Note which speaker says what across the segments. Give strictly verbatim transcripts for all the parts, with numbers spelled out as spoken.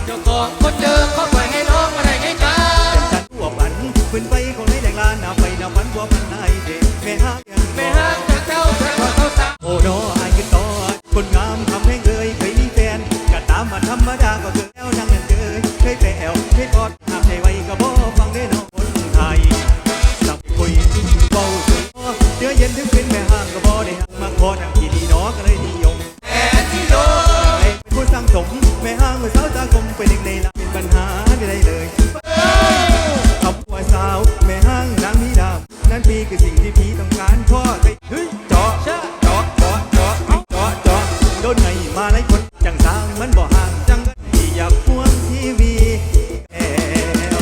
Speaker 1: เจ้าของคนเดิมเขาปล่อยให้น้องมาได้ไงกัน
Speaker 2: จันทั่วบันขึ้นไปของในแดงลานหน้าไปหน้าฝันบัวพันนายเด็กแม่ฮัก
Speaker 1: แม่ฮักจากเจ้าแต่ว่าเขาสาว
Speaker 2: โอ้ดออายขึ้นต่อคนงามทำให้เลยเคยมีแฟนก็ตามมาธรรมดาก็เกิดแล้วนั่งเงินเกยเคยแปวเคยกอดห้ามใจไว้ก็บ่ฟังได้น้องคนไทยสับคุยเบาคุยเดือเย็นถึงเป็นแม่ห้างก็บ่ได้หักมาขอนั่งที่นี่น้อก็เลยนิยม
Speaker 1: แม่ที่โดน
Speaker 2: เป็นผู้สร้างสมแม่ห้างเมื่อสาวตากลมไปหนึ่งในละเป็นปัญหาได้เลยคำว่าสาวแม่ห้างนางมีดาวนั่นพี่คือสิ่งที่พี่ต้องการพ่อไปเฮ้ยเจาะเจาะเจาะเจาะเจาะเจาะเจาะโดนไงมาหลายคนจังสร้างมันบ่ห่างจังที่อยากพ่วงทีวีแอล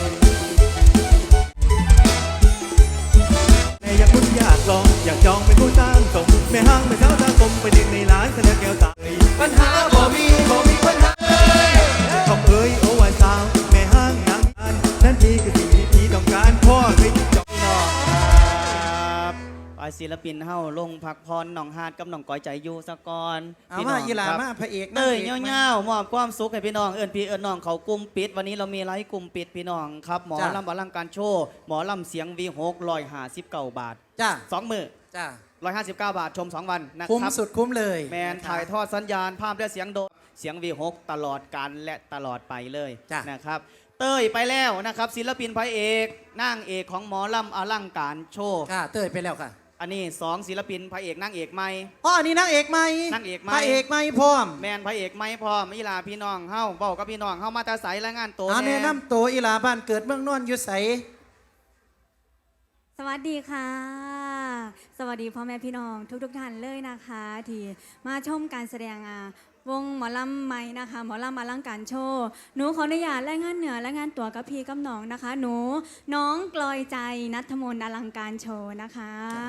Speaker 2: แม่อยากคุณอยากลองอยากจองเป็นผู้สร้างสมแม่ห้างแม่สาวตากลมไปหนึ่งในล้านเสนอแก้วตา
Speaker 1: ปัญหาบ่มีบ่มีปัญหา
Speaker 2: คำเอ้ยโอ้ว่าสาวแม่ห้างนางอันนั่นพี่คือสิ่งที่พี่ต้องการพ่อเคยจองน้อง
Speaker 3: ครับไอศิลปินเฮาลงพักพรหนองหาดกับหนองก้อยใจอยู่สะกอน
Speaker 4: เอามาอีหลามาพระเอก
Speaker 3: เต้ยเงี้ยวๆมอบความสุขให้พี่น้องเอิญพี่เอิญน้องเขากลุ่มปิดวันนี้เรามีไลฟ์กลุ่มปิดพี่น้องครับหมอลำอลังการโชว์หมอลำเสียงวีหกร้อยห้าสิบเก้าบาท
Speaker 4: จ้า
Speaker 3: สองมือ
Speaker 4: จ้า
Speaker 3: ร้อยห้าสิบเก้าบาทชมสองวันนะครับ
Speaker 4: คุ้มสุดคุ้มเลย
Speaker 3: แมนถ่ายทอดสัญญาณภาพและเสียงโดเสียงวีหกตลอดการและตลอดไปเลยนะครับเต้ยไปแล้วนะครับศิลปินพระเอกนางเอกของหมอลำอลังการโชว์
Speaker 4: ค่ะเต้ยไปแล้วค่ะ
Speaker 3: อันนี้สองศิลปินพระเอกนางเอกใหม่
Speaker 4: อ๋ออันนี้นางเอกใหม่
Speaker 3: นางเอกใหม่
Speaker 4: พระเอกใหม่พร้อม
Speaker 3: แมนพระเอกใหม่พร้อมอีลาพี่น้องเฮาเบ้ากับพี่น้องเฮามาตาใสและงานโต
Speaker 4: แนะนำตัวอีลาบ้านเกิดเมืองนอนอยู่ใส
Speaker 5: สวัสดีค่ะสวัสดีพ่อแม่พี่น้องทุกๆท่านเลยนะคะที่มาชมการแสดงวงหมอลำใหม่นะคะหมอลำอลังการโชว์หนูขออนุญาตรายงานเหนือรายงานตัวกับพี่กับน้องนะคะหนูน้องกลอยใจณัฐมนต์อลังการโชว์นะคะ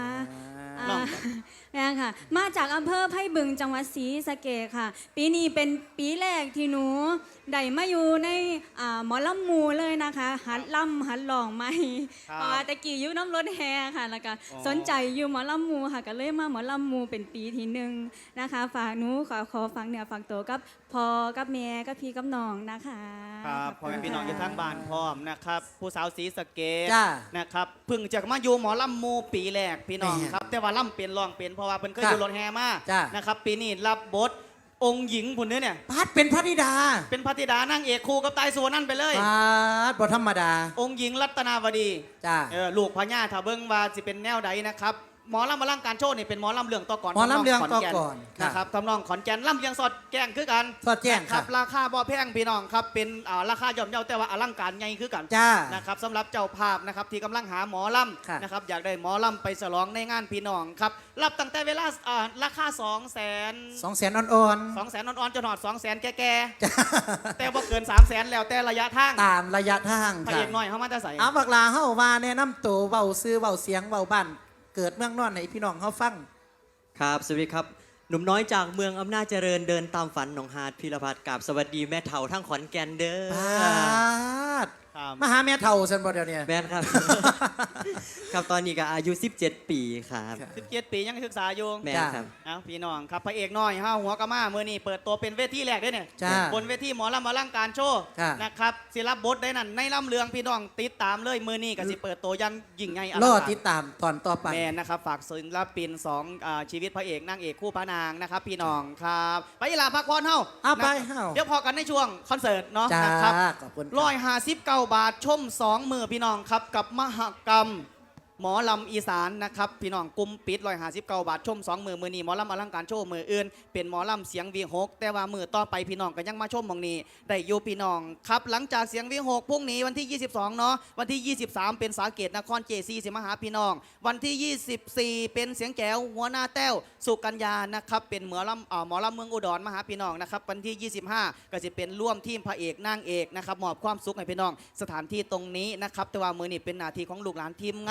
Speaker 5: นี่ค่ะมาจากอำเภอไผ่บึงจังหวัดศรีสะเกษค่ะปีนี้เป็นปีแรกที่หนูได้มาอยู่ในหมอลำมูเลยนะคะหัดล่ำหัดหลองไม่เพราะว่าตะกี้อยู่น้ำรถแห่ค่ะแล้วก็สนใจอยู่หมอลำมูค่ะก็เลยมาหมอลำมูเป็นปีที่หนึ่งนะคะฝากหนูขอขอฟังเนี่ยฝากตัวกับพ่อกับแม่กับพี่กับน้องนะคะ
Speaker 3: ครับพ่อแม่พี่น้องอยู่ทั้งบ้านพร้อมนะครับผู้สาวศรีสะเกษนะครับเพิ่งจะมาอยู่หมอลำมูปีแรกพี่น้องครับแต่ว่าล่ำเปลี่ยนรองเปลี่ยนเพราะว่าเพิ่นเคยอยู่รถแห่มานะครับปีนี้รับบทองค์หญิงพุ่นเนี่ย
Speaker 4: พัดเป็นพระธิดา
Speaker 3: เป็นพระธิดานางเอกคู่กับตายสุวรรณันไปเลย
Speaker 4: พัดบ่ธรรมดา
Speaker 3: องค์หญิงรัตนาวดี
Speaker 4: จ้า
Speaker 3: เออลูกพญาถ้าเบิ่งว่าสิเป็นแนวใดนะครับหมอลำมาล่างการโชว์นี่เป็นหมอลำเรื่องต่อก่อน
Speaker 4: หมอลำเรื่องต่อก่อน
Speaker 3: นะครับทำนองขอนแก่นลำเลียงสอดแกงคือกัน
Speaker 4: สอดแจ้ง
Speaker 3: ครับราคาบ่แพงพี่น้องครับเป็นราคาย่อมเยาแต่ว่าอลังการใหญ่คือกันนะครับสำหรับเจ้าภาพนะครับที่กำลังหาหมอลำนะครับอยากได้หมอลำไปฉลองในงานพี่น้องครับรับตั้งแต่เวลาราคาสองแสน
Speaker 4: สองแสนอ่อน
Speaker 3: ๆสองแสนอ่อนๆจนหอดสองแสนแก่ๆแต่บ่เกินสามแสนแล้วแต่ระยะทาง
Speaker 4: ตามระยะทาง
Speaker 3: พระเอกน้อยเขามาจะใส่
Speaker 4: เอาบักลาเฮามาแนะนำตัวเบาซื้อเบาเสียงเบาบ้านเกิดเมืองนอนไหนพี่น้องเขาฟัง
Speaker 6: ครับสวัสดีครับหนุ่มน้อยจากเมืองอำนาจเจริญเดินตามฝันหนองหาดพิรพัฒน์กับสวัสดีแม่เฒ่าทั้งขอนแก่นเด้
Speaker 4: อมาหาแม่เฒ่าสันบ่เดี๋ยวนี้
Speaker 6: แม่ครับครับตอนนี้ก็อายุสิบเจ็ดปีครับ
Speaker 3: สิบเจ็ดปียังศึกษาอยู่
Speaker 6: แม่ครับ
Speaker 3: เอาพี่น้องครับพระเอกน้อยห้าหัวกะมาเมื่อนี้เปิดตัวเป็นเวทีแรกได้เนี่ยบนเวทีหมอลำอลังการโชว์นะครับศิลปบทได้นั่นในลำเลืองพี่น้องติดตามเลยเมื่อนี้ก็สิเปิดตัวยังยิ่งใหญ่
Speaker 4: รอติดตามตอนต่อไป
Speaker 3: แม่นะครับฝากศิลปินสองชีวิตพระเอกนางเอกคู่พระนางนะครับพี่น้องครับไปลาพักผ่อนเฮ้า
Speaker 4: ไปเฮ้า
Speaker 3: เดี๋ยวพอกันในช่วงคอนเสิร์ตเนาะนะครับร้อยห้าสิบเก้าบาทชมสองมือพี่น้องครับกับมหกรรมหมอลำอีสานนะครับพี่น้องกุมปิดร้อยห้าสิบเก้าบาทชมสองมือมือนี้หมอลำอลังการโชว์มืออื่นเป็นหมอลำเสียงวีหกแต่ว่ามือต่อไปพี่น้องก็ยังมาชมมองนี้ได้อยู่พี่น้องครับหลังจากเสียงวีหกพรุ่งนี้วันที่ยี่สิบสองเนาะวันที่ยี่สิบสามเป็นสาเกตนครเจซีสิมาหาพี่น้องวันที่ยี่สิบสี่เป็นเสียงแก้วหัวหน้าแต้วสุกัญญานะครับเป็นหมอลำหมอลำเมืองอุดรมาหาพี่น้องนะครับวันที่ยี่สิบห้าก็จะเป็นร่วมทีมพระเอกนางเอกนะครับมอบความสุขให้พี่น้องสถานที่ตรงนี้นะครับแต่ว่ามือนี้เป็นหน้าที่ของลูกหลานทีมงาน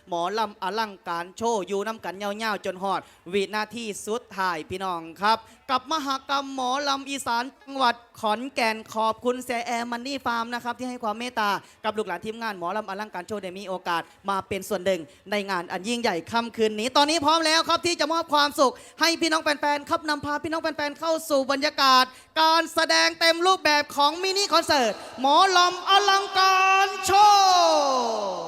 Speaker 3: หมอลำอลังการโชว์อยู่น้ำกันยาวๆจนหอดวินาทีสุดท้ายพี่น้องครับ กับมหกรรมหมอลำอีสานจังหวัดขอนแก่นขอบคุณเซแอร์มันนี่ฟาร์มนะครับที่ให้ความเมตตากับลูกหลานทีมงานหมอลำอลังการโชว์ได้มีโอกาสมาเป็นส่วนหนึ่งในงานอันยิ่งใหญ่ค่ำคืนนี้ ตอนนี้พร้อมแล้วครับที่จะมอบความสุขให้พี่น้องแฟนๆครับนำพาพี่น้องแฟนๆเข้าสู่บรรยากาศ การแสดงเต็มรูปแบบของมินิคอนเสิร์ตหมอลำอลังการโชว์